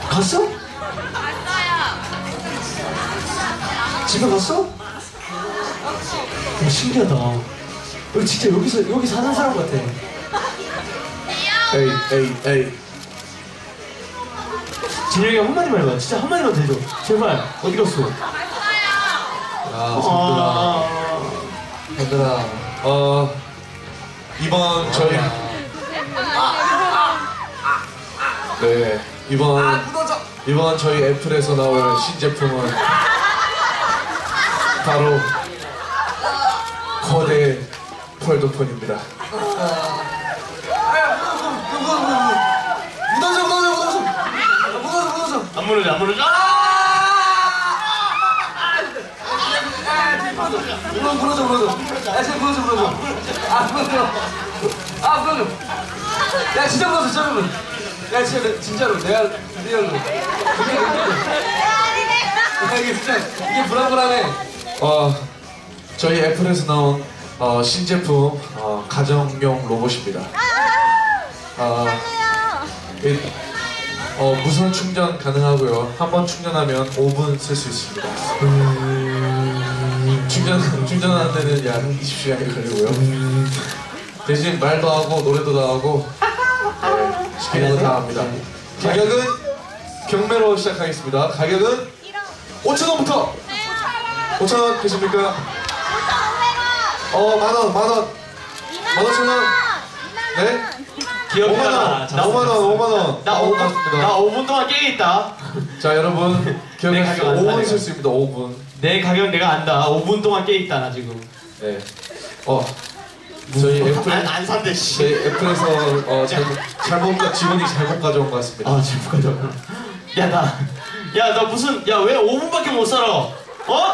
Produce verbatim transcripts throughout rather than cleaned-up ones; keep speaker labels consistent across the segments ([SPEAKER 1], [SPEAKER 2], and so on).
[SPEAKER 1] 갔어?
[SPEAKER 2] 왔어요.
[SPEAKER 1] 집에 갔어? 어, 신기하다. 여기 진짜 여기서 여기 사는 사람 같아.
[SPEAKER 3] 에이 에이 에이.
[SPEAKER 1] 진영이 형 한마디만 해봐. 진짜 한마디만 더 해줘. 제발. 어디 갔어?
[SPEAKER 3] 야
[SPEAKER 1] 아,
[SPEAKER 3] 얘들아. 어 이번 저희 네 이번 이번 저희 애플에서 나올 신제품은 바로 거대 폴더폰입니다.
[SPEAKER 4] 무너져 무너져 무너져 무너져 무너져.
[SPEAKER 1] 안 무너져, 안 무너져.
[SPEAKER 4] 무너져 무너져 무너져. 야 진짜 무너져 무너져. 아 무너져. 아 무너져. 야 진짜 무너져 진짜 무너져. 야 진짜 진짜로 내가 리얼로. 이게 이게 진짜 이게 불안불안해.
[SPEAKER 3] 어 저희 애플에서 나온 어, 신제품 어, 가정용 로봇입니다. 어, 이, 어, 무선 충전 가능하고요. 한 번 충전하면 오 분 쓸 수 있습니다. 음, 충전 충전하는 데는 약 이십 시간이 걸리고요. 대신 말도 하고 노래도 다 하고 네, 시키는 거 다 합니다. 가격은 경매로 시작하겠습니다. 가격은 오천 원부터 오천 원 되십니까? 어, 만 원, 만 원. 만 오천 원. 네? 오만 원,
[SPEAKER 1] 자,
[SPEAKER 3] 오만 원, 오만 원.
[SPEAKER 1] 나
[SPEAKER 3] 아,
[SPEAKER 1] 오 분,
[SPEAKER 3] 고맙습니다.
[SPEAKER 1] 나 오 분 동안 깨 있다.
[SPEAKER 3] 자, 여러분.
[SPEAKER 1] 내
[SPEAKER 3] 기억하시고
[SPEAKER 1] 가격 안
[SPEAKER 3] 오 분
[SPEAKER 1] 사네요.
[SPEAKER 3] 쓸 수 있습니다. 오 분.
[SPEAKER 1] 내 가격 내가 안다. 오 분 동안 깨 있다 나 지금.
[SPEAKER 3] 네. 어, 저희 애플,
[SPEAKER 1] 안, 안 산대 씨.
[SPEAKER 3] 저희 애플에서 어, 잘못, 잘못, 직원이 잘못 가져온 것 같습니다.
[SPEAKER 1] 아 제발 가져. 야 나, 야 나 무슨, 야 왜 오 분밖에 못 살아? 어?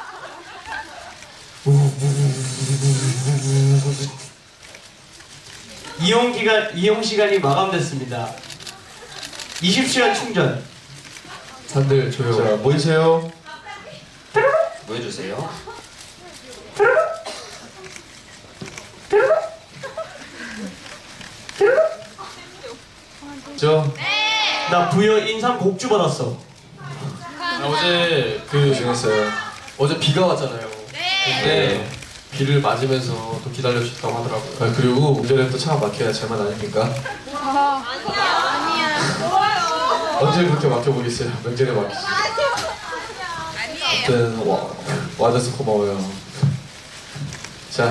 [SPEAKER 1] 이용 기간, 이용 시간이 마감됐습니다. 이십 시간 충전.
[SPEAKER 3] 다들 조용. 자, 모이세요.
[SPEAKER 4] 뭐 해주세요?
[SPEAKER 3] 저,
[SPEAKER 1] 나 부여 인삼 곡주 받았어.
[SPEAKER 5] 아, 어제 그
[SPEAKER 3] 고생했어요.
[SPEAKER 5] 어제 비가 왔잖아요.
[SPEAKER 2] 네.
[SPEAKER 5] 근데 비를 맞으면서 또 기다려주셨다고 하더라고요.
[SPEAKER 3] 아, 그리고 운전에 또 차가 막혀야 제맛 아닙니까?
[SPEAKER 2] 아니야. 좋아요.
[SPEAKER 3] 언제 그렇게 막혀보겠어요? 명절에 막히지.
[SPEAKER 2] 아니에요.
[SPEAKER 3] 아무튼 와, 와줘서 고마워요. 자.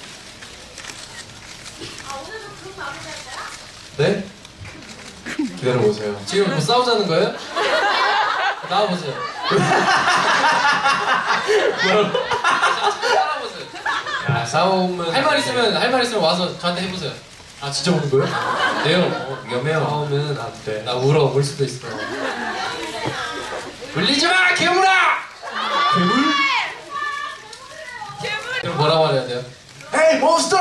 [SPEAKER 3] 네? 기다려보세요.
[SPEAKER 5] 지금 뭐 싸우자는 거예요? 나와보세요. 따라오세요.
[SPEAKER 3] 야, 싸움은
[SPEAKER 5] 할 말 있으면 할 말 있으면 와서 저한테 해보세요.
[SPEAKER 3] 아 진짜 오는 거예요?
[SPEAKER 5] 네요. 어,
[SPEAKER 3] 위험해요.
[SPEAKER 5] 싸우면 안 돼.
[SPEAKER 3] 나
[SPEAKER 5] 나 울어 울 수도 있어. 울리지 마 괴물아.
[SPEAKER 1] 괴물?
[SPEAKER 5] 그럼 뭐라고 말해야 돼요?
[SPEAKER 3] 헤이 몬스터!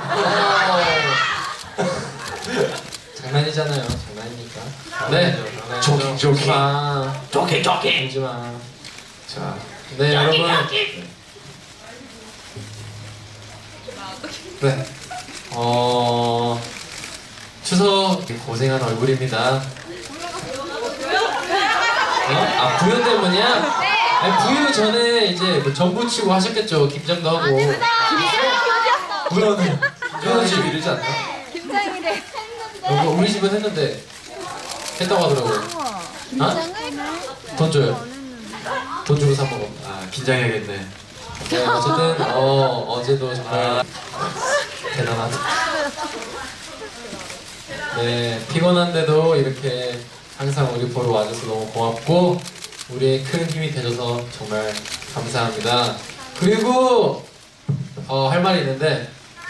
[SPEAKER 5] 장난이잖아요. 장난이니까. 네.
[SPEAKER 3] 조깅, 조깅.
[SPEAKER 5] 마.
[SPEAKER 1] 조깅 조깅.
[SPEAKER 5] 울지 마.
[SPEAKER 3] 자,
[SPEAKER 5] 네 여러분. 네. 어 추석 고생한 얼굴입니다. 어? 아 부연 때문이야?
[SPEAKER 2] 네.
[SPEAKER 5] 아니, 부연 전에 이제 뭐 전부 치고 하셨겠죠. 김장도 하고. 부연은 부연은 집 이르지 않나?
[SPEAKER 2] 김장이래.
[SPEAKER 5] 어, 뭐 우리 집은 했는데 했다고 하더라고요. 어? 돈 줘요. 돈 주고 사 먹어.
[SPEAKER 3] 아 긴장해야겠네.
[SPEAKER 5] 네, 어쨌든 어 어제도 정말 대단하다. 네, 피곤한데도 이렇게 항상 우리 보러 와줘서 너무 고맙고 우리의 큰 힘이 돼줘서 정말 감사합니다. 그리고 어, 할 말이 있는데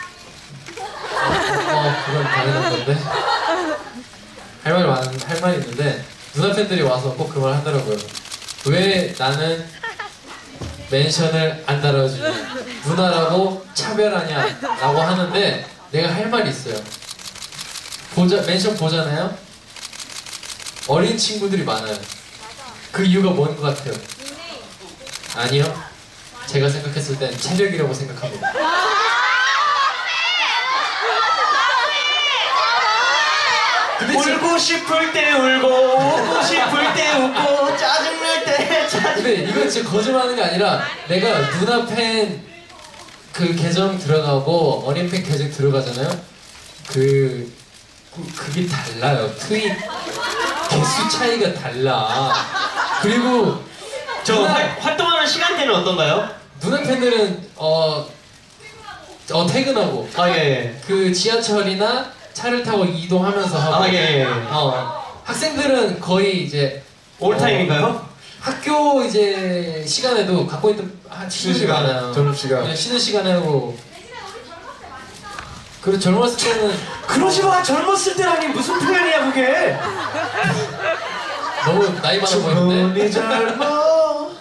[SPEAKER 5] 어, 어 그건 당연한 건데 할 말이 많, 할 말이 있는데 누나 팬들이 와서 꼭 그 말 하더라고요. 왜 나는 멘션을 안 달아주냐, 누나라고 차별하냐 라고 하는데 내가 할 말이 있어요. 보자, 멘션 보잖아요? 어린 친구들이 많아요. 그 이유가 뭔 것 같아요? 아니요. 제가 생각했을 땐 체력이라고 생각합니다.
[SPEAKER 1] 울고 싶을 때 울고 웃고 싶을 웃고 짜증날 때 짜증.
[SPEAKER 5] 근데 이건 진짜 거짓말하는 게 아니라 내가 누나 팬 그 계정 들어가고 어린 팬 계정 들어가잖아요. 그 그- 그게 달라요. 트윗 개수 차이가 달라. 그리고
[SPEAKER 1] 저
[SPEAKER 5] 누나,
[SPEAKER 1] 활, 활동하는 시간대는 어떤가요?
[SPEAKER 5] 누나 팬들은 어, 어 퇴근하고
[SPEAKER 1] 아 예.
[SPEAKER 5] 그 지하철이나 차를 타고 이동하면서 하고
[SPEAKER 1] 아 예. 예.
[SPEAKER 5] 어, 학생들은 거의 이제
[SPEAKER 1] 올타임인가요?
[SPEAKER 5] 학교 이제 시간에도 갖고 있던 한 쉬는
[SPEAKER 3] 쉬는 시간,
[SPEAKER 5] 시간,
[SPEAKER 3] 점심시간.
[SPEAKER 5] 그냥 쉬는 시간에 하고. 그리고 젊었을 때는
[SPEAKER 1] 그러지 마. 젊었을 때라니 무슨 표현이야 그게?
[SPEAKER 5] 너무 나이 많아 보이는데.
[SPEAKER 3] 젊어.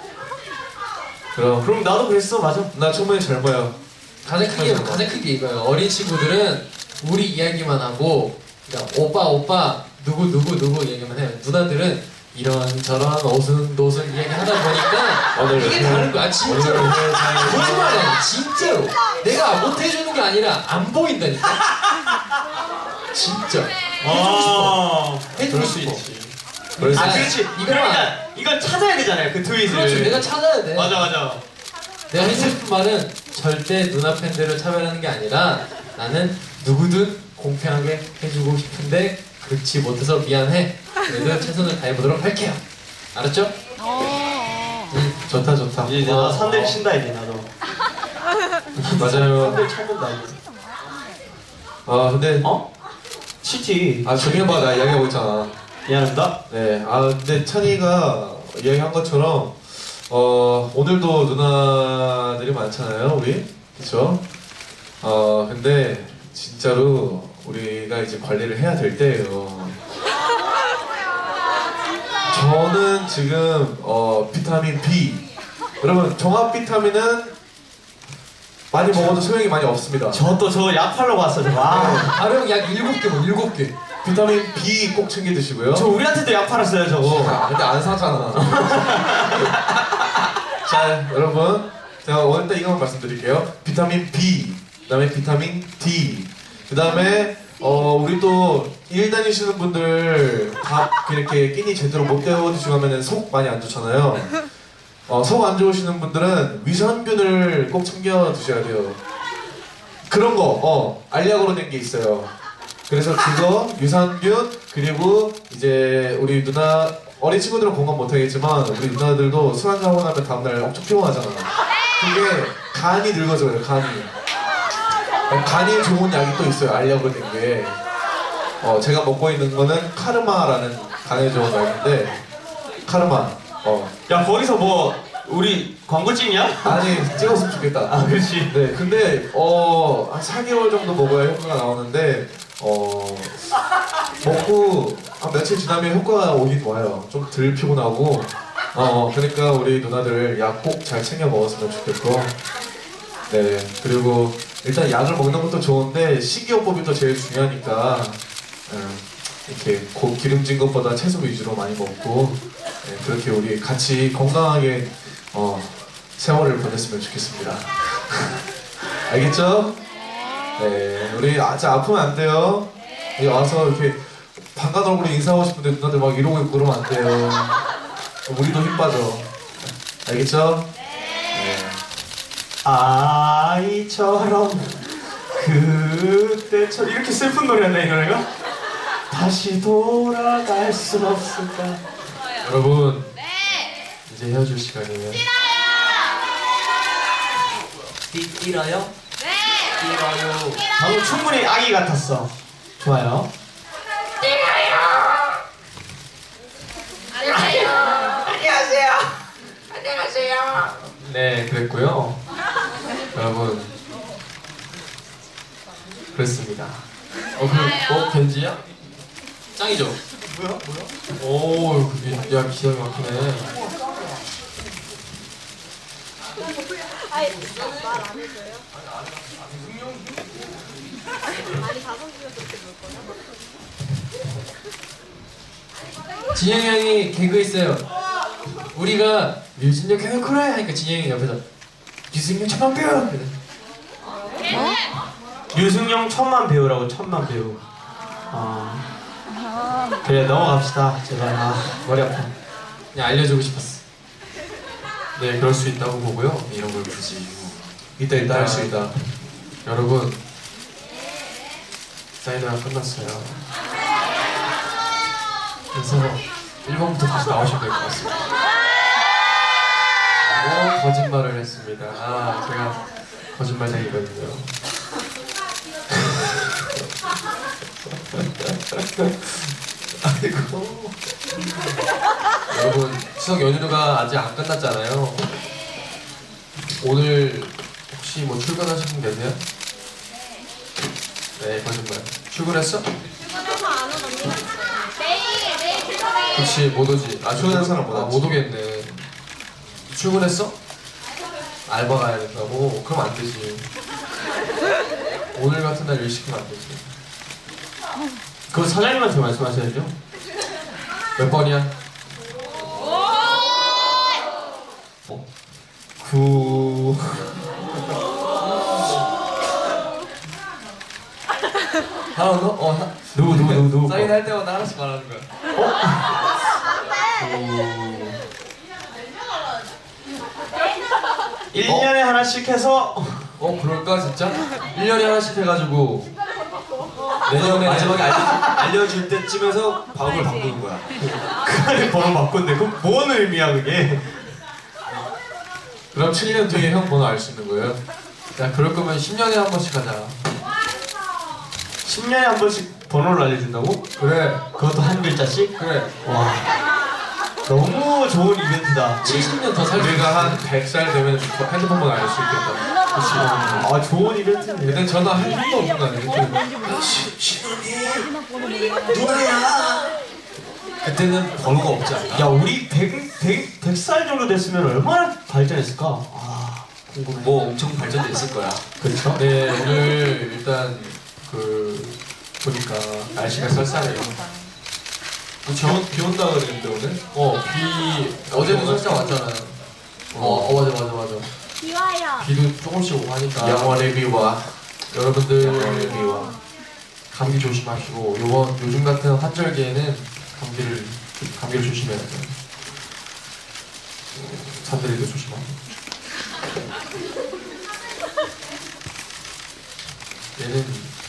[SPEAKER 3] 그럼
[SPEAKER 1] 그럼 나도 그랬어. 맞아.
[SPEAKER 3] 나 충분히 젊어요.
[SPEAKER 5] 가장 크게 가장 크게 이거예요. 어린 친구들은 우리 이야기만 하고, 그러니까 오빠 오빠 누구 누구 누구 얘기만 해요. 누나들은 이런 저런 오순도순 이야기 하다 보니까
[SPEAKER 3] 오늘
[SPEAKER 5] 이게 다른 거야. 진짜로.
[SPEAKER 3] 오늘
[SPEAKER 5] 거짓말 아니야. 진짜로. 내가 못 해주는 게 아니라 안 보인다니까. 진짜. 해주고 싶어. 해주고
[SPEAKER 3] 그럴 수
[SPEAKER 5] 싶어.
[SPEAKER 3] 있지. 그래서
[SPEAKER 1] 아 그렇지.
[SPEAKER 5] 이거만-
[SPEAKER 1] 그러니까 이건 찾아야 되잖아요. 그 트윗을.
[SPEAKER 5] 그렇죠. 내가 찾아야 돼.
[SPEAKER 1] 맞아 맞아.
[SPEAKER 5] 내가 해주고 싶은 말은 절대 누나 팬들을 차별하는 게 아니라 나는 누구든 공평하게 해주고 싶은데 그렇지 못해서 미안해. 그래도 최선을 다해보도록 할게요. 알았죠?
[SPEAKER 3] 음, 좋다 좋다.
[SPEAKER 1] 이제 나 산들 친다 이제 나도.
[SPEAKER 3] 맞아요.
[SPEAKER 1] 산들 쳐본다 이제.
[SPEAKER 3] 아 근데
[SPEAKER 1] 어? 치지.
[SPEAKER 3] 아 정현 봐나 이야기하고 있잖아.
[SPEAKER 1] 미안합니다.
[SPEAKER 3] 네, 아 근데 찬이가 이야기한 것처럼 어 오늘도 누나들이 많잖아요, 우리 그렇죠? 어 근데 진짜로 우리가 이제 관리를 해야 될 때예요. 저는 지금 어 비타민 B, 여러분 종합 비타민은 많이 먹어도 소용이 많이 없습니다.
[SPEAKER 1] 저 또 저 약 팔러 갔어. 저. 아.
[SPEAKER 5] 발음 약 일곱 개 뭐 일곱 개.
[SPEAKER 3] 비타민 B 꼭 챙겨 드시고요.
[SPEAKER 1] 저 우리한테도 약 팔았어요 저거.
[SPEAKER 3] 아, 근데 안 사잖아. 자, 여러분, 제가 오늘 딱 이것만 말씀드릴게요. 비타민 B, 그다음에 비타민 D, 그다음에 어 우리 또 일 다니시는 분들 밥 이렇게 끼니 제대로 못 때워 드시고 하면은 속 많이 안 좋잖아요. 어, 속 안 좋으시는 분들은 위산균을 꼭 챙겨 드셔야 돼요. 그런 거, 어, 알약으로 된 게 있어요. 그래서 그거, 유산균, 그리고 이제 우리 누나, 어린 친구들은 공감 못하겠지만 우리 누나들도 술 한잔하고 나면 다음날 엄청 피곤하잖아. 그게 간이 늙어져요, 간이. 어, 간이 좋은 약이 또 있어요, 알약으로 된 게. 어, 제가 먹고 있는 거는 카르마라는 간에 좋은 약인데, 카르마. 어.
[SPEAKER 1] 야 거기서 뭐 우리 광고 찍냐?
[SPEAKER 3] 아니, 찍었으면 좋겠다.
[SPEAKER 1] 아 그렇지.
[SPEAKER 3] 네, 근데 어, 한 사 개월 정도 먹어야 효과가 나오는데 어, 먹고 한 며칠 지나면 효과가 오긴 와요. 좀 덜 피곤하고 어, 그러니까 우리 누나들 약 꼭 잘 챙겨 먹었으면 좋겠고 네, 그리고 일단 약을 먹는 것도 좋은데 식이요법이 또 제일 중요하니까 음, 이렇게 고 기름진 것보다 채소 위주로 많이 먹고 네, 그렇게 우리 같이 건강하게 어, 세월을 보냈으면 좋겠습니다. 알겠죠? 네, 우리 아직 아프면 안 돼요. 여기 와서 이렇게 반가운 얼굴로 인사하고 싶은데 누나들 막 이러고 있고 그러면 안 돼요. 우리도 힘 빠져. 알겠죠? 네.
[SPEAKER 1] 아이처럼 그때처럼 이렇게 슬픈 노래였나 이 노래가? 다시 돌아갈 순 없을까?
[SPEAKER 3] 여러분, 이제 헤어질 시간이에요.
[SPEAKER 1] 뛰어요? 네! 뛰어요. 방금 충분히 아기 같았어. 좋아요.
[SPEAKER 3] 네, 그랬고요. 여러분, 그랬습니다. 어, 그, 어, 견지야?
[SPEAKER 5] 짱이죠?
[SPEAKER 1] 뭐야? 뭐야?
[SPEAKER 3] 오, 그게, 야, 기억이 막히네.
[SPEAKER 5] 진영이 형이 개그 있어요. 우리가 류진혁 해놓고래 하니까 진영이 옆에서 류진혁 천만 배우.
[SPEAKER 1] 류승용 천만 배우라고 천만 배우. 아. 그래 넘어갑시다 제발. 아 머리 아파.
[SPEAKER 5] 그냥 알려주고 싶었어.
[SPEAKER 3] 네, 그럴 수 있다고 보고요. 이런 걸 굳이 이따 이따 할 수 있다.
[SPEAKER 5] 여러분, 사이드가 끝났어요. 그래서 일 번부터 다시 나오시면 될 것 같습니다. 오, 거짓말을 했습니다. 아, 제가 거짓말쟁이거든요.
[SPEAKER 3] 아이고.
[SPEAKER 5] 여러분, 추석 연휴가 아직 안 끝났잖아요. 오늘 혹시 뭐 출근하신 분 계세요? 네, 거짓말. 출근했어?
[SPEAKER 2] 출근해서 안 온 언니가 있어요. 내일 내일 출근해.
[SPEAKER 5] 그치, 못 오지. 아,
[SPEAKER 3] 출근한 사람 못
[SPEAKER 5] 아,
[SPEAKER 3] 왔지.
[SPEAKER 5] 못 오겠네. 출근했어? 알바 가야 된다고? 그럼 안 되지. 오늘 같은 날 일 시키면 안 되지.
[SPEAKER 1] 그거 사장님한테 말씀하셔야죠.
[SPEAKER 5] 몇 번이야?
[SPEAKER 1] 구.
[SPEAKER 5] 하나 더? 어, 하...
[SPEAKER 1] 누구 누구 누구 누구.
[SPEAKER 5] 사인할 때마다 하나씩 말하는 거야.
[SPEAKER 1] 일 년에 하나씩 해서.
[SPEAKER 5] 어, 그럴까, 진짜? 일 년에 하나씩 해가지고 내년에
[SPEAKER 3] 마지막에 알려, 알려줄 때쯤에서 방법을 바꾸는 거야.
[SPEAKER 1] 그 안에 번호 바꾼대. 그럼 뭔 의미야 그게?
[SPEAKER 5] 그럼 칠 년 뒤에 형 번호 알 수 있는 거예요? 야, 그럴 거면 십 년에 한 번씩 하자.
[SPEAKER 1] 십 년에 한 번씩 번호를 알려준다고?
[SPEAKER 5] 그래,
[SPEAKER 1] 그것도 한 글자씩?
[SPEAKER 5] 그래.
[SPEAKER 1] 와. 너무 좋은 이벤트다.
[SPEAKER 5] 칠십 년 더 살수
[SPEAKER 3] 우리가 한 백 살 되면 핸드폰 번호 알 수 있겠다.
[SPEAKER 1] 아 좋은 이벤트인데.
[SPEAKER 5] 근데 전화 한 번도 없는 거 아니에요?
[SPEAKER 3] 누나야. 그때는 번호가 없지 않나?
[SPEAKER 1] 야 우리 백, 백, 백 살 정도 됐으면 얼마나 발전했을까? 아 궁금해.
[SPEAKER 3] 뭐 엄청 발전됐을 거야.
[SPEAKER 1] 그렇죠?
[SPEAKER 5] 네, 오늘 일단 그 보니까 날씨가 쌀쌀해요.
[SPEAKER 3] 비, 온, 비 온다 그랬는데 오늘?
[SPEAKER 5] 어, 비 어제도 살짝 왔잖아요. 어, 어 맞아 맞아 맞아.
[SPEAKER 2] 비와요.
[SPEAKER 5] 비도 조금씩 오고 하니까
[SPEAKER 3] 영원의 비와.
[SPEAKER 5] 여러분들
[SPEAKER 3] 영원의 비와.
[SPEAKER 5] 감기 조심하시고 요번 요즘 같은 환절기에는 감기를 감기를 조심해야 돼요. 산들이도 조심하고. 얘는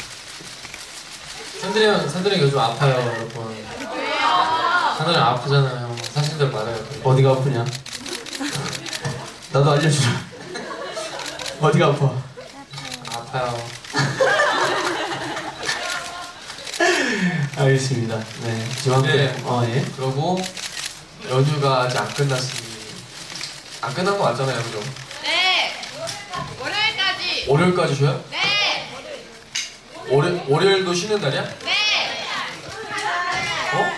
[SPEAKER 5] 산들이 형 산들이 요즘 아파요, 여러분. 산들이 아프잖아요. 사실대로 말해요.
[SPEAKER 1] 어디가 아프냐? 나도 알려주라. 어디가 아파?
[SPEAKER 5] 아파요.
[SPEAKER 1] 알겠습니다. 네. 지방대.
[SPEAKER 5] 네.
[SPEAKER 1] 어 예.
[SPEAKER 5] 그리고 연휴가 아직 안 끝났으니 안 끝난 거 맞잖아요, 그죠?
[SPEAKER 2] 네. 월요일까지.
[SPEAKER 5] 월요일까지 쉬어요?
[SPEAKER 2] 네.
[SPEAKER 5] 월요 월요일도 쉬는 날이야?
[SPEAKER 2] 네.
[SPEAKER 5] 어?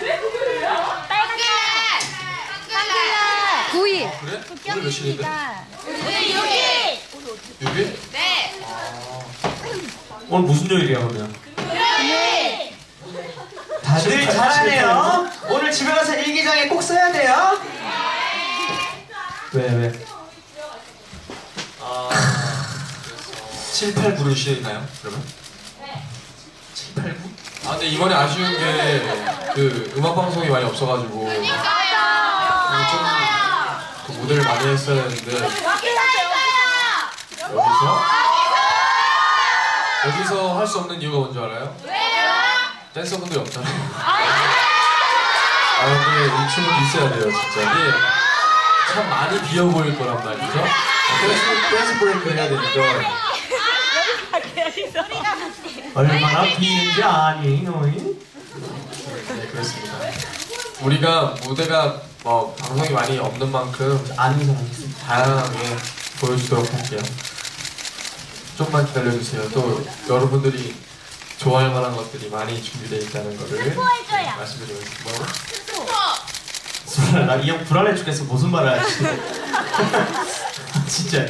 [SPEAKER 2] 빨간 한글날. 구일.
[SPEAKER 5] 그래? 오늘 며칠인데?
[SPEAKER 2] 오늘 육일.
[SPEAKER 5] 육 일?
[SPEAKER 2] 네.
[SPEAKER 1] 오늘 무슨 요일이야 그러면?
[SPEAKER 2] 금요일.
[SPEAKER 1] 다들 잘하네요. 오늘 집에 가서 일기장에 꼭 써야 돼요. 왜 왜?
[SPEAKER 5] 아,
[SPEAKER 3] 칠, 팔, 구를 쉬나요? 그러면? 칠, 팔, 구?
[SPEAKER 5] 아 근데 이번에 아쉬운 게 그 음악 방송이 많이 없어가지고 좀그 무대를 많이 했어야 했는데 여기서 여기서 할 수 없는 이유가 뭔지 알아요? 댄서분들이 없잖아요. 아 근데 이 춤은 있어야 돼요 진짜. 이게 참 많이 비어 보일 거란 말이죠. 댄스, 댄스 브레이크를 해야 되니까.
[SPEAKER 1] 얼마나 비는지 아니 너희?
[SPEAKER 5] 네 그렇습니다. 우리가 무대가 뭐 방송이 많이 없는 만큼
[SPEAKER 1] 아는 사람 있어.
[SPEAKER 5] 다양하게 보여주도록 할게요. 좀만 기다려주세요. 또 여러분들이 좋아할 만한 것들이 많이 준비되어 있다는 거를 말씀드리고 싶고.
[SPEAKER 1] 소라 나이 형 불안해 죽겠어. 무슨 말을 하지? 진짜.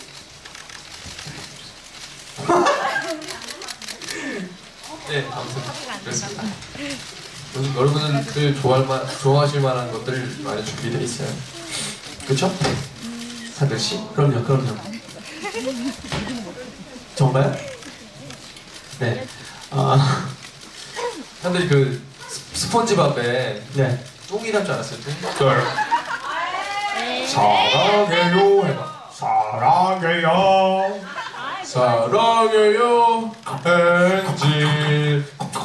[SPEAKER 5] 네, 아무튼 그렇습니다. 오늘 여러분들 좋아할 만, 좋아하실 만한 것들 많이 준비되어 있어요. 그렇죠? 사들 씨?
[SPEAKER 1] 그럼요, 그럼요. 정말요? 네. 아
[SPEAKER 5] 사들이 그 스-
[SPEAKER 3] 스폰지밥에
[SPEAKER 1] 네.
[SPEAKER 3] 똥이 날 줄 알았어요. 똥.
[SPEAKER 5] 사랑해요 해봐.
[SPEAKER 3] 사랑해요. 사랑해요. 엔지.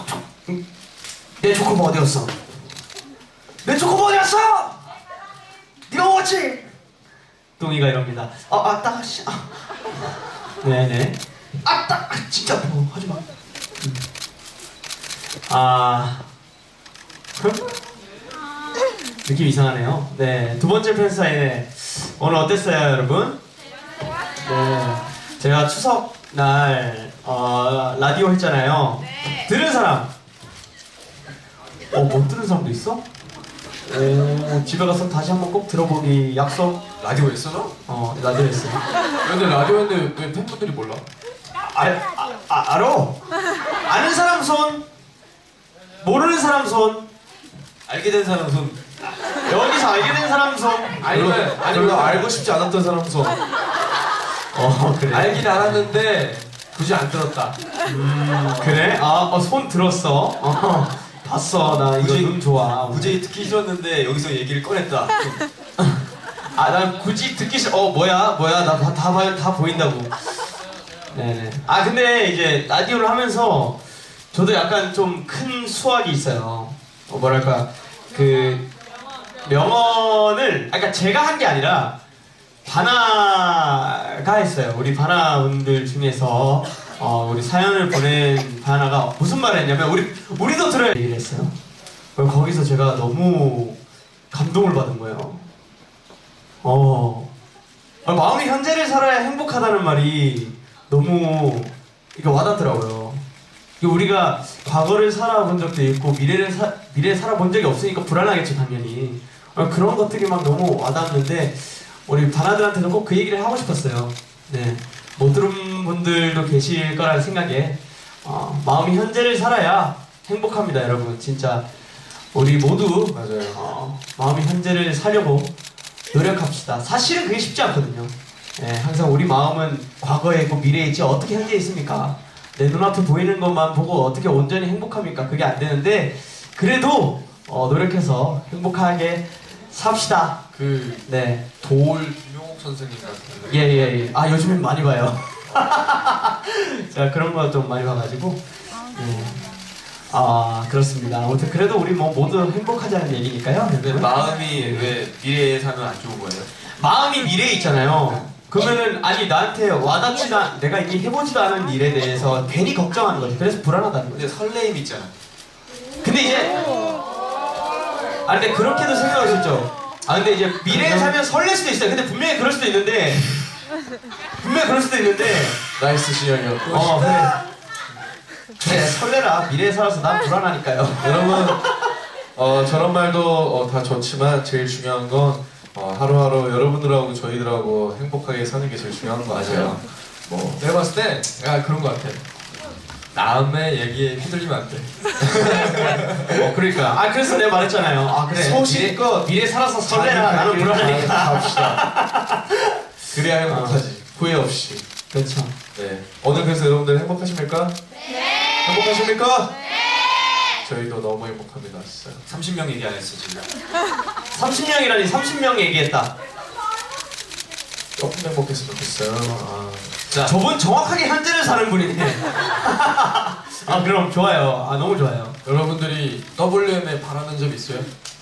[SPEAKER 1] 내 초코바 어디 갔어? 내 초코바 어디 갔어? 네가 먹었지? 똥이가 이럽니다. 아, 아, 따, 씨. 아. 네네. 아, 따, 아, 진짜 뭐 하지 마. 음. 아, 느낌 이상하네요. 네, 두 번째 팬 사인회 오늘 어땠어요, 여러분? 네, 제가 추석 날 어, 라디오 했잖아요.
[SPEAKER 2] 네.
[SPEAKER 1] 들은 사람? 어, 못 들은 사람도 있어? 오, 집에 가서 다시 한번 꼭 들어보기 약속.
[SPEAKER 3] 라디오 했어 너?
[SPEAKER 1] 어, 라디오 했어.
[SPEAKER 3] 근데 라디오인데 왜 팬분들이 몰라?
[SPEAKER 1] 아, 아, 아, 알어? 아는 사람 손, 모르는 사람 손, 알게 된 사람 손. 여기서 알게 된 사람 손.
[SPEAKER 3] 아니면 아니면 알고 싶지 않았던 사람 손.
[SPEAKER 1] 어, 그래.
[SPEAKER 3] 알긴 알았는데 굳이 안 들었다.
[SPEAKER 1] 음, 그래? 아, 어, 손 들었어. 어, 봤어. 나 이거 눈 좋아.
[SPEAKER 4] 무지개 듣기 싫었는데 여기서 얘기를 꺼냈다.
[SPEAKER 1] 아, 난 굳이 듣기 싫어. 어, 뭐야, 뭐야, 나 다, 다, 봐- 다 보인다고. 네네. 아, 근데 이제 라디오를 하면서 저도 약간 좀 큰 수확이 있어요. 어, 뭐랄까, 그, 명언을, 아까 제가 한 게 아니라, 바나가 했어요. 우리 바나분들 중에서, 어, 우리 사연을 보낸 바나가 무슨 말을 했냐면, 우리, 우리도 들어야 얘기를 했어요. 그럼 거기서 제가 너무 감동을 받은 거예요. 어, 아, 마음이 현재를 살아야 행복하다는 말이 너무 이게 와닿더라고요. 이게 우리가 과거를 살아본 적도 있고 미래를 사, 미래 살아본 적이 없으니까 불안하겠죠, 당연히. 아, 그런 것들이 막 너무 와닿는데 우리 바나들한테도 꼭 그 얘기를 하고 싶었어요. 네, 못 들은 분들도 계실 거라는 생각에 어, 마음이 현재를 살아야 행복합니다, 여러분. 진짜 우리 모두
[SPEAKER 3] 맞아요.
[SPEAKER 1] 어, 마음이 현재를 살려고 노력합시다. 사실은 그게 쉽지 않거든요. 예, 항상 우리 마음은 과거에 있고 미래에 있지 어떻게 현재에 있습니까? 내 눈앞에 보이는 것만 보고 어떻게 온전히 행복합니까? 그게 안 되는데 그래도 어, 노력해서 행복하게 삽시다.
[SPEAKER 3] 그
[SPEAKER 1] 네,
[SPEAKER 3] 돌 김용옥 선생님 같은.
[SPEAKER 1] 예예예. 아, 요즘엔 많이 봐요. 제가 그런 거 좀 많이 봐가지고. 예. 아, 그렇습니다. 아무튼 그래도 우리 뭐 모두 행복하자는 얘기니까요.
[SPEAKER 4] 근데 마음이 왜 미래에 살면 안 좋은 거예요?
[SPEAKER 1] 마음이 미래에 있잖아요. 그러면은 아니 나한테 와닿지도 않, 내가 이미 해보지도 않은 일에 대해서 괜히 걱정하는 거지. 그래서 불안하다는 거지.
[SPEAKER 4] 근데 설레임 있잖아.
[SPEAKER 1] 근데 이제 아 근데 그렇게도 생각할 수 있죠. 아 근데 이제 미래에 살면 설렐 수도 있어요. 근데 분명히 그럴 수도 있는데 분명히 그럴 수도 있는데
[SPEAKER 3] 나이스 시연이었고.
[SPEAKER 1] 어 그래. 그래 설레라. 미래에 살아서 난 불안하니까요.
[SPEAKER 3] 여러분 어, 저런 말도 어, 다 좋지만 제일 중요한 건 어, 하루하루 여러분들하고 저희들하고 행복하게 사는 게 제일 중요한 것 같아요. 뭐 내가 봤을 때 야, 그런 것 같아. 남의 얘기에 휘둘리면 안 돼.
[SPEAKER 1] 어 그러니까. 아 그래서 내가 말했잖아요. 아 그래.
[SPEAKER 3] 소신껏
[SPEAKER 1] 미래, 미래 살아서 설레라.
[SPEAKER 3] 자기
[SPEAKER 1] 나는
[SPEAKER 3] 갈 길을
[SPEAKER 1] 불안하니까.
[SPEAKER 3] 갑시다. 그래야 행복하지. 후회 없이.
[SPEAKER 1] 그렇죠.
[SPEAKER 3] 네. 오늘 그래서 여러분들 행복하십니까? 네. 행복하십니까? 네. 저희도 너무 행복합니다, 진짜.
[SPEAKER 4] 삼십 명 얘기 안 했어 지금.
[SPEAKER 1] 삼십 명이라니 삼십 명 얘기했다.
[SPEAKER 3] 조금 행복했으면 좋겠어요. 아.
[SPEAKER 1] 자, 저분 정확하게 현재를 사는 분이네. 아, 그럼 좋아요. 아, 너무 좋아요.
[SPEAKER 3] 여러분들이 더블유엠에 바라는 점 있어요?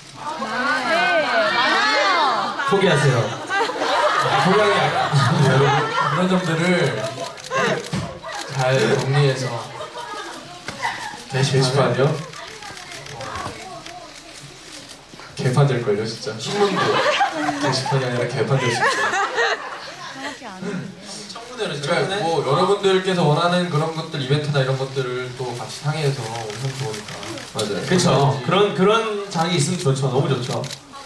[SPEAKER 1] 포기하세요.
[SPEAKER 3] 고양이 아니라 여러분 그런 점들을 잘 정리해서 게시판이요? 개판 될걸요 진짜.
[SPEAKER 4] 신문도.
[SPEAKER 3] 게시판이 아니라 개판 될 수 있죠.
[SPEAKER 4] 청문회를
[SPEAKER 3] 그러니까 뭐 여러분들께서 원하는 그런 것들 이벤트나 이런 것들을 또 같이 상의해서 엄청 좋으니까. 맞아요.
[SPEAKER 1] 그렇죠. 그런 그런 장이 있으면 좋죠. 너무 좋죠.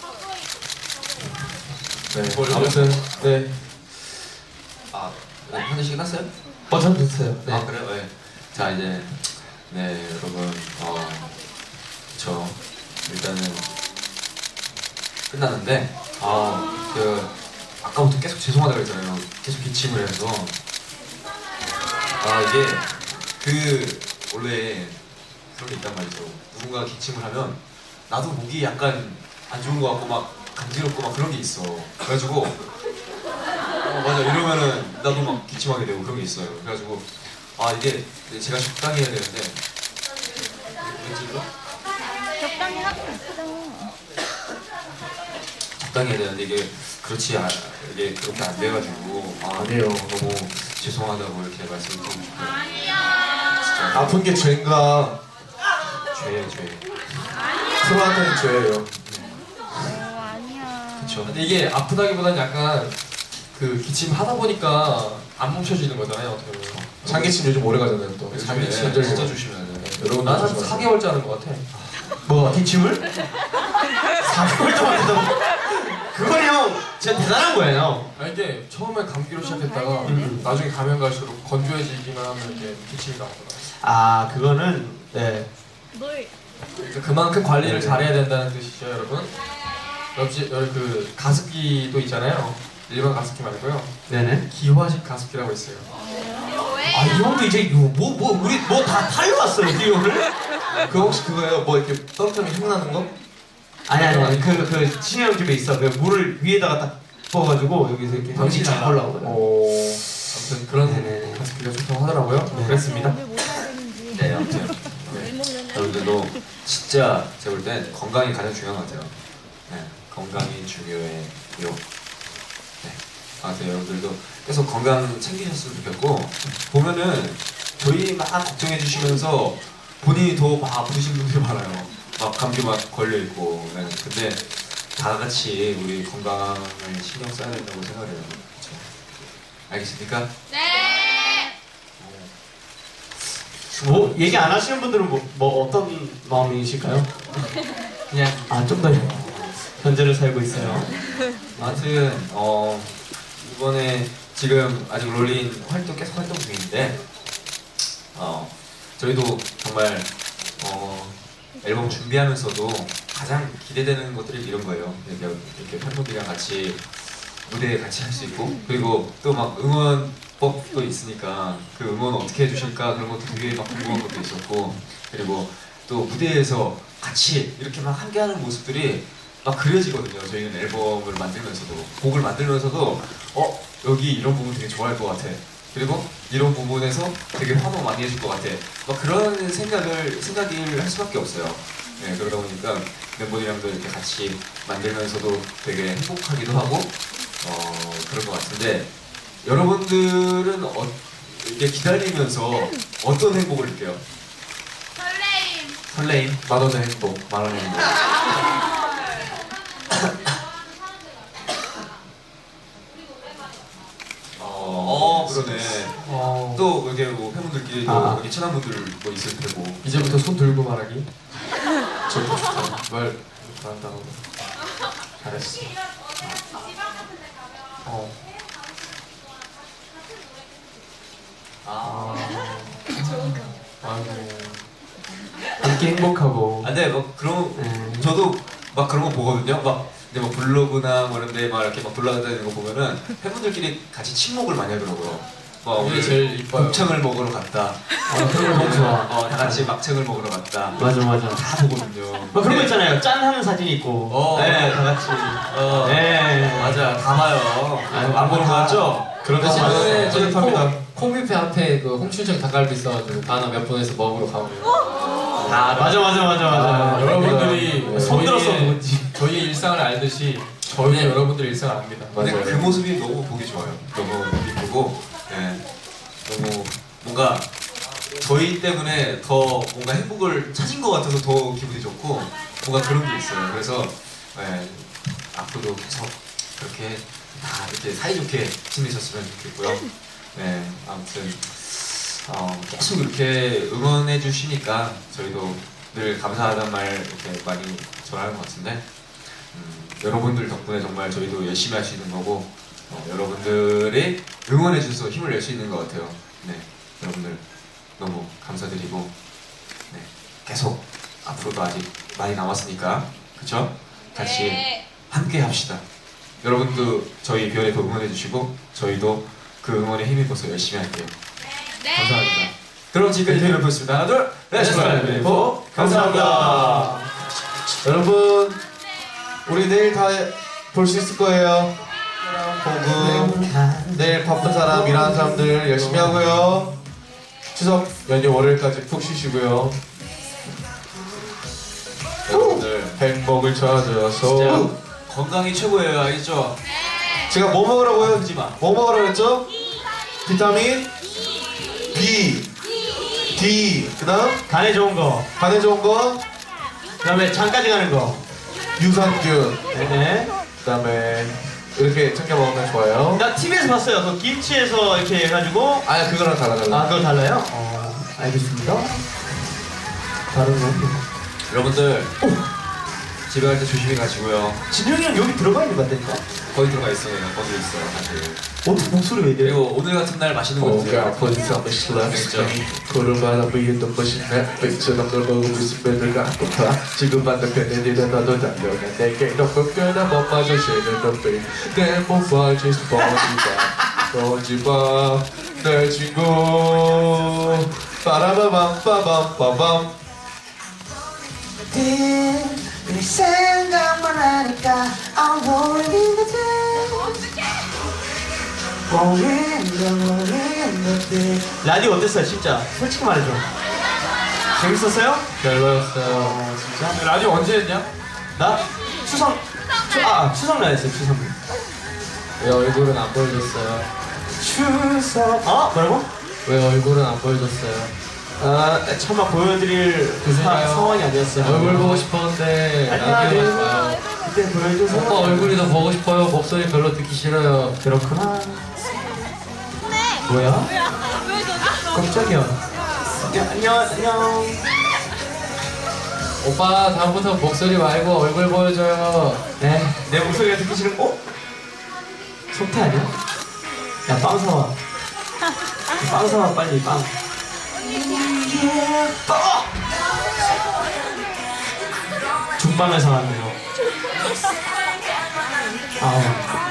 [SPEAKER 3] 네. 아무튼 네.
[SPEAKER 4] 아, 네, 한 대씩 끝났어요?
[SPEAKER 1] 어, 전 됐어요. 네.
[SPEAKER 4] 아 그래요? 네. 자 이제 네 여러분 어 그쵸 일단은 끝났는데 아그 아까부터 계속 죄송하다고 했잖아요. 계속 기침을 해서 아 이게 그 원래
[SPEAKER 6] 그런 게 있단 말이죠. 누군가 기침을 하면 나도 목이 약간 안 좋은 것 같고 막 간지럽고 막 그런 게 있어. 그래가지고 어 맞아 이러면은 나도 막 기침하게 되고 그런 게 있어요. 그래가지고 아 이게 제가 적당히 해야 되는데 왠지
[SPEAKER 2] 적당히 하고 있어.
[SPEAKER 6] 적당히 해야 되는데 이게 그렇지 아, 이게 그렇게 안 돼가지고 아
[SPEAKER 3] 아니에요.
[SPEAKER 6] 너무 죄송하다고 이렇게 말씀드리고 싶어요.
[SPEAKER 2] 아니야.
[SPEAKER 6] 진짜
[SPEAKER 3] 아픈 게 죄인가?
[SPEAKER 6] 죄예요 죄.
[SPEAKER 3] 프로한테는 죄예요.
[SPEAKER 2] 어, 아니야.
[SPEAKER 6] 그쵸.
[SPEAKER 5] 근데 이게 아프다기보다는 약간 그 기침 하다 보니까 안 멈춰지는 거잖아요. 어떻게 보면.
[SPEAKER 3] 장기침 요즘 오래 가잖아요. 또
[SPEAKER 6] 장기
[SPEAKER 5] 장기침
[SPEAKER 6] 진짜
[SPEAKER 5] 진짜
[SPEAKER 6] 진짜 조심해야 돼요.
[SPEAKER 3] 여러분
[SPEAKER 5] 나는 한 사 개월째 하는 것 같아.
[SPEAKER 1] 뭐 기침을? 사 개월 동안 했다고? 그건 형 진짜 대단한 거예요.
[SPEAKER 5] 아 이게 처음에 감기로 시작했다가
[SPEAKER 1] 음.
[SPEAKER 5] 나중에 가면 갈수록 건조해지기만 하면 이제 기침이 나오더라.
[SPEAKER 1] 아 그거는 네.
[SPEAKER 2] 뭘?
[SPEAKER 5] 그러니까 그만큼 관리를 잘해야 된다는 뜻이죠, 여러분. 역시 여기 그 가습기도 있잖아요. 일반 가습기 말고요.
[SPEAKER 1] 네네.
[SPEAKER 5] 기화식 가습기라고 있어요.
[SPEAKER 2] 왜?
[SPEAKER 1] 아 이 형도 이제 뭐뭐 뭐, 우리 뭐 다 탈려왔어요 이 형을?
[SPEAKER 3] 그 혹시 그거예요? 뭐 이렇게 떨어뜨리면 힘 나는 거?
[SPEAKER 1] 아니 아니 아니 그그 친형 집에 있어. 그 물을 위에다가 딱 부어가지고 여기서 이렇게
[SPEAKER 5] 당신이
[SPEAKER 1] 잘
[SPEAKER 5] 알아.
[SPEAKER 1] 올라오거든.
[SPEAKER 3] 어.
[SPEAKER 5] 아무튼 그런
[SPEAKER 1] 네네네.
[SPEAKER 5] 가습기가 좋다고 하더라고요.
[SPEAKER 1] 네.
[SPEAKER 5] 그랬습니다.
[SPEAKER 2] 뭘 사야 되는지.
[SPEAKER 6] 네 아무튼
[SPEAKER 2] 왜 먹느냐?
[SPEAKER 6] 여러분들도 진짜 제가 볼 땐 건강이 가장 중요한 것 같아요. 네, 건강이 중요해요. 네, 아무튼 여러분들도 계속 건강 챙기셨으면 좋겠고 보면은 저희 막 걱정해 주시면서 본인이 더 막 아프신 분들이 많아요. 막 감기 막 걸려 있고. 네, 근데 다 같이 우리 건강을 신경 써야 된다고 생각해요. 그렇죠? 알겠습니까?
[SPEAKER 2] 네.
[SPEAKER 1] 뭐 얘기 안 하시는 분들은 뭐, 뭐 어떤 마음이실까요? 그냥 아 좀 더 현재를 살고 있어요.
[SPEAKER 6] 아무튼 어 이번에 지금 아직 롤린 활동 계속 활동 중인데 어 저희도 정말 어 앨범 준비하면서도 가장 기대되는 것들이 이런 거예요. 이렇게, 이렇게 팬분들이랑 같이 무대에 같이 할 수 있고 그리고 또 막 응원법도 있으니까 그 응원 어떻게 해주실까 그런 것도 되게 막 궁금한 것도 있었고 그리고 또 무대에서 같이 이렇게 막 함께하는 모습들이 막 그려지거든요. 저희는 앨범을 만들면서도 곡을 만들면서도 어 여기 이런 부분 되게 좋아할 것 같아. 그리고 이런 부분에서 되게 환호 많이 해줄 것 같아. 막 그런 생각을 생각을 할 수밖에 없어요. 네, 그러다 보니까 멤버들이랑도 이렇게 같이 만들면서도 되게 행복하기도 하고 어 그런 것 같은데 여러분들은 어, 이렇게 기다리면서 어떤 행복을 느껴요?
[SPEAKER 2] 설레임.
[SPEAKER 6] 설레임, 만원의 행복, 만원의 행복. 어, 어 그러네.
[SPEAKER 5] 어,
[SPEAKER 6] 또 이렇게 뭐 팬분들끼리도
[SPEAKER 1] 아.
[SPEAKER 6] 이렇게 친한 분들 뭐 있을 테고.
[SPEAKER 5] 이제부터 손 들고 말하기. 저도 좋다. 말 잘한다고. 잘했어. 어.
[SPEAKER 6] 아.
[SPEAKER 5] 아이고.
[SPEAKER 1] 함께 행복하고.
[SPEAKER 6] 아, 네, 막 그런
[SPEAKER 1] 네.
[SPEAKER 6] 저도 막 그런 거 보거든요. 막 근데 막 블로그나 뭐 이런데 막 이렇게 막 돌아다니는 거 보면은 팬분들끼리 같이 친목을 많이 하더라고요. 막
[SPEAKER 5] 그게
[SPEAKER 6] 오늘
[SPEAKER 5] 제일 이뻐요.
[SPEAKER 6] 곱창을 먹으러 갔다.
[SPEAKER 1] 아, 그런 거 너무 좋아.
[SPEAKER 6] 어, 다 같이 막창을 먹으러 갔다.
[SPEAKER 1] 맞아 맞아.
[SPEAKER 6] 다 보거든요.
[SPEAKER 1] 뭐 그런 거 있잖아요. 짠 하는 사진 있고.
[SPEAKER 6] 어.
[SPEAKER 1] 네, 다 같이.
[SPEAKER 6] 어,
[SPEAKER 1] 네.
[SPEAKER 6] 맞아, 다 봐요.
[SPEAKER 1] 아유,
[SPEAKER 6] 안 보는 거 같죠?
[SPEAKER 3] 그런 거
[SPEAKER 5] 근데 지난번에
[SPEAKER 3] 많아요.
[SPEAKER 5] 저희
[SPEAKER 3] 뿌듯합니다.
[SPEAKER 5] 콩, 콩뷔페 앞에 그 홍춘정 닭갈비 있어가지고 단어 몇 분에서 먹으러 가고.
[SPEAKER 1] 다 맞아 맞아 맞아 맞아.
[SPEAKER 5] 아, 여러분들이
[SPEAKER 1] 네. 손 들었어
[SPEAKER 5] 저희의-
[SPEAKER 1] 누군지.
[SPEAKER 5] 저희의 일상을 알듯이 저희는 여러분들의 일상을 압니다.
[SPEAKER 6] 근데
[SPEAKER 3] 맞아요.
[SPEAKER 6] 그 모습이 너무 보기 좋아요. 너무 이쁘고, 네. 너무 뭔가 저희 때문에 더 뭔가 행복을 찾은 것 같아서 더 기분이 좋고 뭔가 그런 게 있어요. 그래서 네, 앞으로도 계속 그렇게 다 이렇게 사이좋게 지내셨으면 좋겠고요. 네, 아무튼 어, 계속 이렇게 응원해 주시니까 저희도 늘 감사하다는 말 이렇게 많이 전하는 것 같은데 음, 여러분들 덕분에 정말 저희도 열심히 할 수 있는 거고 어, 여러분들이 응원해 주셔서 힘을 낼 수 있는 것 같아요. 네, 여러분들 너무 감사드리고 네, 계속 앞으로도 아직 많이 남았으니까 그쵸? 같이
[SPEAKER 2] 네.
[SPEAKER 6] 함께 합시다. 여러분도 저희 별에도 응원해 주시고 저희도 그 응원에 힘입어서 열심히 할게요.
[SPEAKER 2] 네.
[SPEAKER 6] 감사합니다. 그럼 지금까지 저희를 보겠습니다. 하나 둘 셋.
[SPEAKER 3] 내셔널 웨이브 감사합니다. 여러분 우리 내일 다 볼 수 있을 거예요. 보고 내일 바쁜 사람 일하는 사람들 열심히 하고요. 추석 연휴 월요일까지 푹 쉬시고요. 여러분들 행복을 찾아서
[SPEAKER 6] 건강이 최고예요, 알겠죠?
[SPEAKER 3] 제가 뭐 먹으라고요?
[SPEAKER 6] 하지 마.
[SPEAKER 3] 뭐 먹으라고 했죠? 비타민 B, D, 그다음
[SPEAKER 1] 간에 좋은 거.
[SPEAKER 3] 간에 좋은 거
[SPEAKER 1] 그다음에 장까지 가는 거.
[SPEAKER 3] 유산균,
[SPEAKER 1] 네네.
[SPEAKER 3] 그다음에 이렇게 챙겨 먹으면 좋아요.
[SPEAKER 1] 나 티비에서 봤어요. 그 김치에서 이렇게 해가지고.
[SPEAKER 3] 아 그거랑 달라 달라.
[SPEAKER 1] 아, 그거 달라요? 어, 알겠습니다. 다른 거.
[SPEAKER 6] 여러분들 집에 갈 때 조심히 가시고요.
[SPEAKER 1] 진영이랑 여기 들어가 있는 거 같다니까?
[SPEAKER 6] 거기 들어가 있어요, 거기 있어요, 사실.
[SPEAKER 1] 어떻게 목소리 왜 이래?
[SPEAKER 6] 그리고 오늘 같은 날 맛있는 거 드세요.
[SPEAKER 3] 뭔가 본성을 실험했더니 구름 바람 위에 눈부신 햇빛처럼 널 보고 웃으면 늘 가고파 지금 반대편에 일은 너도 달려가 내게 높은 뼈나 못 마주치는 눈빛 내몸 빠질 뻔지마 뻔지마 내 친구 빠라바밤 빠밤 빠밤
[SPEAKER 7] 네 생각만 하니까 I'm rolling in the deep rolling in the rolling in the deep
[SPEAKER 1] 라디오 어땠어요, 진짜? 솔직히 말해줘. 재밌었어요?
[SPEAKER 5] 별로였어요.
[SPEAKER 1] 어, 진짜?
[SPEAKER 4] 라디오 언제 했냐?
[SPEAKER 1] 나 추석, 추, 아, 추석 날 했어요, 추석 날.
[SPEAKER 5] 왜 얼굴은 안 보여줬어요?
[SPEAKER 1] 추석. 어? 뭐라고?
[SPEAKER 5] 왜 얼굴은 안 보여줬어요?
[SPEAKER 1] 아, 차마 보여드릴 그 사,
[SPEAKER 5] 그러니까요.
[SPEAKER 1] 상황이 아니었어요.
[SPEAKER 5] 얼굴 보고 싶었는데
[SPEAKER 1] 아니야,
[SPEAKER 5] 라디오
[SPEAKER 1] 네.
[SPEAKER 5] 하지 마요.
[SPEAKER 1] 그때 보여줘서.
[SPEAKER 5] 오빠 얼굴이 더 보고 싶어요. 목소리 별로 듣기 싫어요.
[SPEAKER 1] 그렇구나. 뭐야? 깜짝이야. 야, 안녕, 안녕.
[SPEAKER 5] 오빠 다음부터 목소리 말고 얼굴 보여줘요.
[SPEAKER 1] 네, 내 목소리가 듣기 싫은, 어? 속태 아니야? 야, 빵 사와. 빵 사와, 빨리, 빵. 어! 중빵을 사왔네요. 아.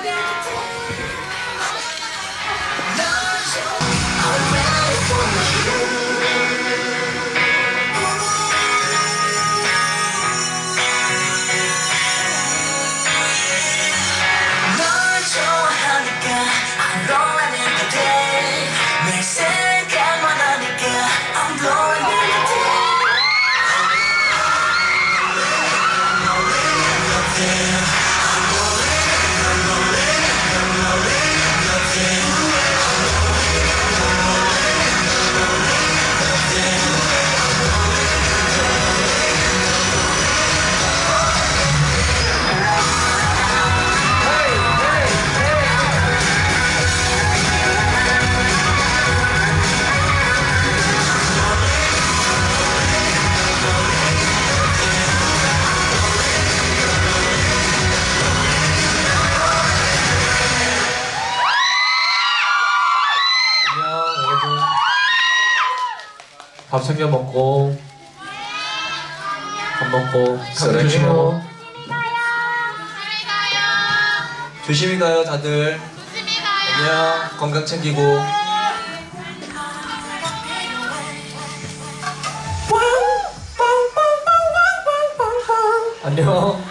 [SPEAKER 7] 널 좋아하니까 I'm rolling in the deep 내 생각만 하니까 I'm rolling in the deep
[SPEAKER 5] 안녕 여러분. 밥 챙겨 먹고 밥 먹고 감기 조심하고.
[SPEAKER 6] 조심히 가요, 다들. 안녕. 건강 챙기고.
[SPEAKER 5] 안녕.